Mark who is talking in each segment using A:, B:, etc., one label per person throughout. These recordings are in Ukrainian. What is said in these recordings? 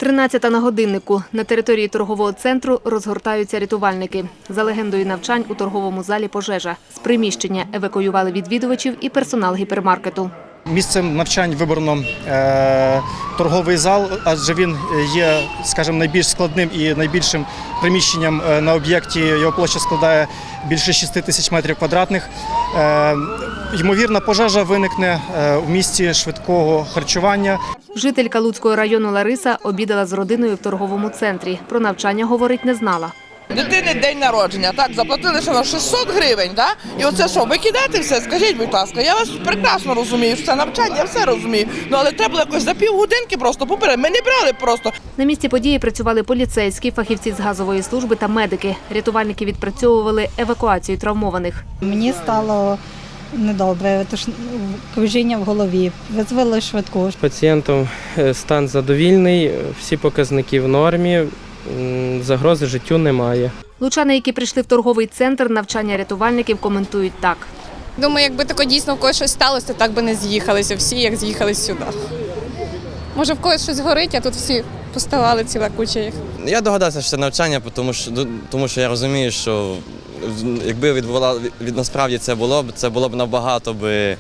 A: 13 на годиннику. На території торгового центру розгортаються рятувальники. За легендою навчань у торговому залі пожежа. З приміщення евакуювали відвідувачів і персонал гіпермаркету.
B: Місцем навчань вибрано торговий зал, адже він є, скажімо, найбільш складним і найбільшим приміщенням на об'єкті. Його площа складає більше 6 тисяч метрів квадратних. Ймовірна пожежа виникне в місці швидкого харчування.
A: Жителька Луцького району Лариса обідала з родиною в торговому центрі. Про навчання говорить не знала.
C: Дитини день народження, так, заплатили ще на 600 гривень, так? І оце що, викидати все? Скажіть, будь ласка, я вас прекрасно розумію, що це навчання, я все розумію. Ну, але треба було якось за півгодинки просто поперед. Ми не брали просто.
A: На місці події працювали поліцейські, фахівці з газової служби та медики. Рятувальники відпрацьовували евакуацію травмованих.
D: Мені стало недобре, тож кружіння в голові. Визвали швидку.
E: Пацієнтом стан задовільний, всі показники в нормі, загрози життю немає.
A: Лучани, які прийшли в торговий центр, навчання рятувальників коментують так.
F: Думаю, якби тако дійсно в когось щось сталося, то так би не з'їхалися всі, як з'їхались сюди. Може, в когось щось горить, а тут всі поставали, ціла куча їх.
G: Я догадався, що це навчання, тому що я розумію, що якби насправді це було б набагато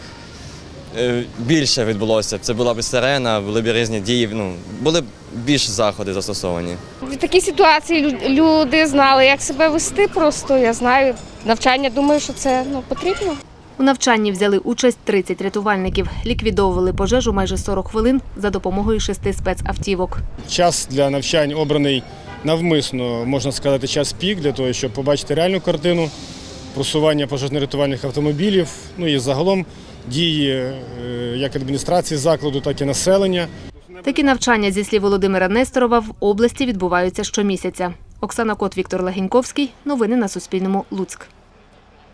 G: більше відбулося. Це була б сирена, були б різні дії, були б більш заходи застосовані.
H: В такій ситуації люди знали, як себе вести просто, я знаю. Навчання, думаю, що це потрібно.
A: У навчанні взяли участь 30 рятувальників. Ліквідовували пожежу майже 40 хвилин за допомогою 6 спецавтівок.
I: Час для навчань обраний навмисно, можна сказати, час пік, для того, щоб побачити реальну картину просування пожежно-рятувальних автомобілів, і загалом дії як адміністрації закладу, так і населення.
A: Такі навчання, зі слів Володимира Несторова, в області відбуваються щомісяця. Оксана Кот, Віктор Легеньковський. Новини на Суспільному. Луцьк.